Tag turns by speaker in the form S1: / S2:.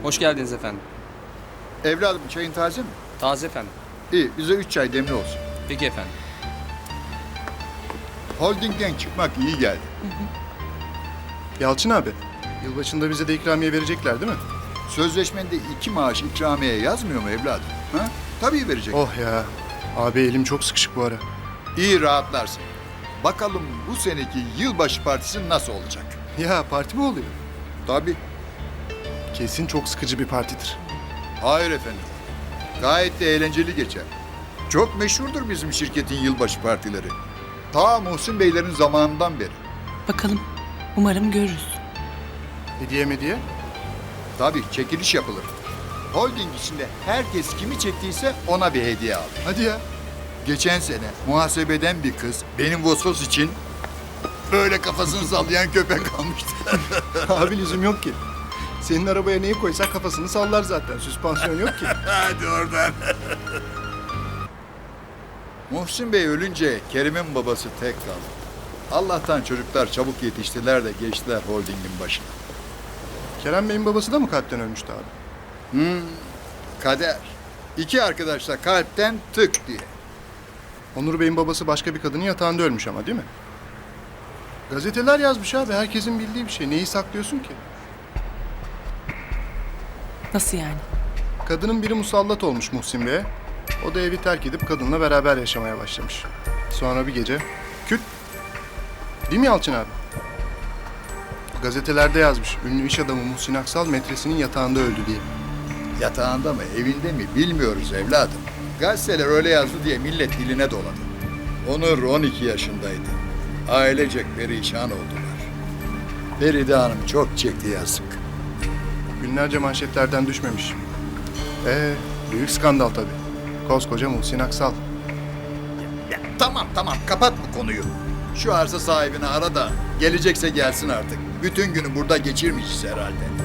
S1: Hoş geldiniz efendim.
S2: Evladım çayın taze mi?
S1: Taze efendim.
S2: İyi, bize 3 çay demli olsun.
S1: Peki efendim.
S2: Holdingden çıkmak iyi geldi.
S3: Yalçın abi, yılbaşında bize de ikramiye verecekler değil mi?
S2: Sözleşmende 2 maaş ikramiye yazmıyor mu evladım? Ha? Tabii verecek.
S3: Oh ya, abi elim çok sıkışık bu ara.
S2: İyi rahatlarsın. Bakalım bu seneki yılbaşı partisi nasıl olacak?
S3: Ya parti mi oluyor?
S2: Tabii.
S3: Kesin çok sıkıcı bir partidir.
S2: Hayır efendim. Gayet de eğlenceli geçer. Çok meşhurdur bizim şirketin yılbaşı partileri. Ta Muhsin Beylerin zamanından beri.
S4: Bakalım. Umarım görürüz.
S3: Hediye mediye?
S2: Tabii çekiliş yapılır. Holding içinde herkes kimi çektiyse ona bir hediye alır.
S3: Hadi ya.
S2: Geçen sene muhasebeden bir kız benim Vosvos için böyle kafasını sallayan köpek almıştı.
S3: Abi lüzum yok ki. Senin arabaya neyi koysak kafasını sallar zaten. Süspansiyon yok ki.
S2: Hadi oradan. Muhsin Bey ölünce Kerim'in babası tek kaldı. Allah'tan çocuklar çabuk yetiştiler de geçtiler holdingin başına.
S3: Kerem Bey'in babası da mı kalpten ölmüştü abi?
S2: Kader. İki arkadaş da kalpten tık diye.
S3: Onur Bey'in babası başka bir kadının yatağında ölmüş ama değil mi? Gazeteler yazmış abi. Herkesin bildiği bir şey. Neyi saklıyorsun ki?
S4: Nasıl yani?
S3: Kadının biri musallat olmuş Muhsin Bey'e. O da evi terk edip kadınla beraber yaşamaya başlamış. Sonra bir gece küt. Değil mi Yalçın abi? Gazetelerde yazmış. Ünlü iş adamı Muhsin Aksal metresinin yatağında öldü diye.
S2: Yatağında mı evinde mi bilmiyoruz evladım. Gazeteler öyle yazdı diye millet diline doladı. Onur 12 yaşındaydı. Ailecek perişan oldular. Feride Hanım çok çekti yazık.
S3: Günlerce manşetlerden düşmemiş. Büyük skandal tabii. Koskoca Muhsin Aksal.
S2: Ya, tamam kapat bu konuyu. Şu arsa sahibini ara da gelecekse gelsin artık. Bütün günü burada geçirmişiz herhalde.